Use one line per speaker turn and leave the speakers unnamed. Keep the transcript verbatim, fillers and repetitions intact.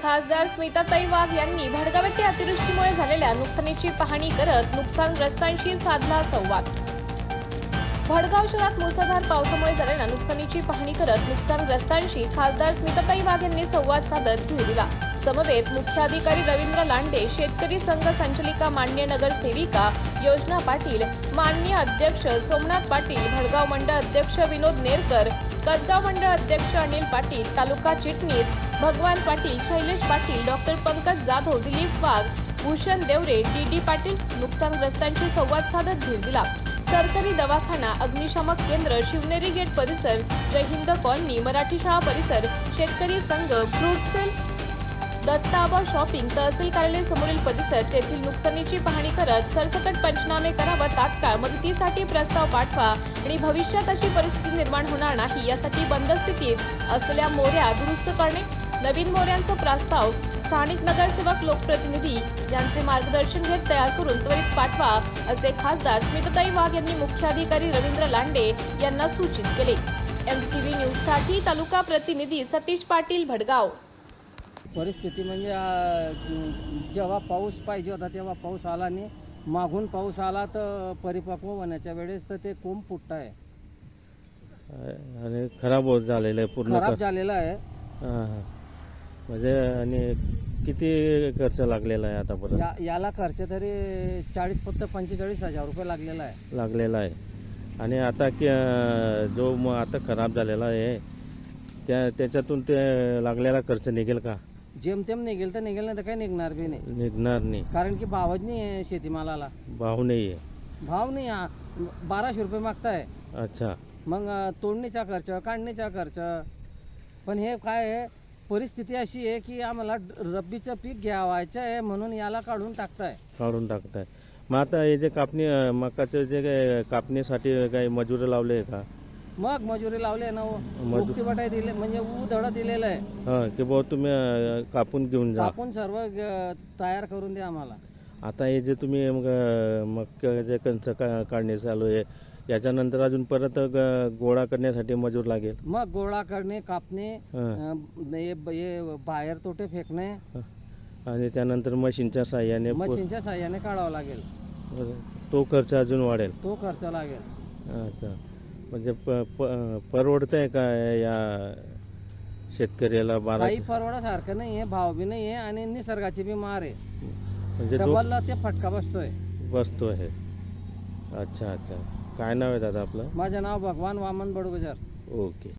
खासदार स्मिताताई वाघ यांनी भडगाव येथे अतिवृष्टीमुळे झालेल्या नुकसानीची पाहणी करत नुकसानग्रस्तांशी साधला संवाद। भडगाव शहरात मुसळधार पावसामुळे झालेल्या नुकसानीची पाहणी करत नुकसानग्रस्तांशी खासदार स्मिताताई वाघ यांनी संवाद साधत धीर दिला। समवेत मुख्याधिकारी रवींद्र लांडे, शेतकरी संघ संचालिका मान्य नगरसेविका योजना पाटील, माननीय अध्यक्ष सोमनाथ पाटील, भडगाव मंडळ अध्यक्ष विनोद नेरकर, कसगाव मंडळ अध्यक्ष अनिल पाटील, तालुका चिटणीस Bhagwan Patil, Shailesh Patil, doctor Pankaj Jadhav, Dilip Wagh, Bhushan Deore, D D Patil नुकसानग्रस्तांशी संवाद साधत धीर दिला। सरकारी दवाखाना, अग्निशामक केंद्र, शिवनेरी गेट परिसर, जय हिंद कॉलनी, मराठी शाळा परिसर, शेतकरी संघ, fruit sale, Dattaba shopping, tehsil कार्यालय समोरील परिसर तेथील नुकसानीची पाहणी करत सरसकट पंचनामे करावा, तात्काळ मदतीसाठी प्रस्ताव पाठवा आणि भविष्यात अशी परिस्थिती निर्माण होणार नाही यासाठी बंद स्थितीत असलेल्या मोऱ्या दुरुस्त करणे, नवीन मोऱ्यांचा प्रस्ताव स्थानिक नगरसेवक, लोकप्रतिनिधी यांचे मार्गदर्शन घेत तयार करून त्वरित पाठवा असे खासदार स्मिताताई वाघ यांनी मुख्याधिकारी रवींद्र लांडे यांना सूचित केले। एमटीव्ही न्यूज साठी तालुका प्रतिनिधी सतीश पाटील, भडगाव।
परिस्थिती म्हणजे जेव्हा पाऊस पाहिजे होता तेव्हा पाऊस आला नाही, मागून पाऊस आला तर परिपक्व होण्याच्या वेळेस तर ते कोंब फुटत आहे
आणि खराब होत झालेलं आहे, पूर्ण
खराब झालेला आहे।
हां हां म्हणजे आणि किती खर्च लागलेला आहे आतापर्यंत?
या याला खर्च तरी चाळीस फक्त पंचेचाळीस हजार रुपये लागलेला आहे
लागलेला आहे। आणि आता की जो मग आता खराब झालेला आहे त्या त्याच्यातून ते लागलेला खर्च निघेल का?
जेमतेम निघेल तर निघेल, नाही तर काही निघणार बी नाही,
निघणार नाही,
कारण की भावच नाही आहे शेतीमालाला,
भाव नाही आहे।
भाव नाही, बाराशे रुपये मागताय।
अच्छा,
मग तोडणीचा खर्च, काढणीचा खर्च, पण हे काय आहे परिस्थिती अशी आहे की आम्हाला रब्बीचं पीक घ्यावायचं आहे म्हणून याला काढून टाकताय
काढून टाकताय। मग आता हे जे कापणी मकाचं जे काही कापणीसाठी काही मजुरी लावले आहे का?
मग मजुरी लावली आहे ना, मुक्ती बटाई दिले म्हणजे उधड दिलेलं आहे।
हां की भाऊ तुम्ही अं, कापून घेऊन जा,
कापून सर्व ग- तयार करून द्या आम्हाला।
आता हे जे तुम्ही मग मग जे कंच का काढणे चालू आहे याच्यानंतर अजून परत ग- गोळा करण्यासाठी मजूर लागेल।
मग गोळा करणे, कापणे,
हां.
अं, हे हे बाहेर तोटे फेकणे,
आणि त्यानंतर मशीनच्या साह्याने पु-
मशीनच्या साह्याने काढावं लागेल,
तो खर्च अजून वाढेल।
तो खर्च लागेल।
अच्छा, म्हणजे प प- परवडतंय का या शेतकऱ्याला? बारा
काही परवडासारखं नाही आहे, भाव बी नाही आहे आणि निसर्गाची बी मार आहे,
म्हणजे दो-
डबलला ते फटका बसतोय।
वस्तू आहे। अच्छा अच्छा, काय नाव आहे दादा आपलं?
माझं नाव भगवान वामन बडगुजर।
ओके।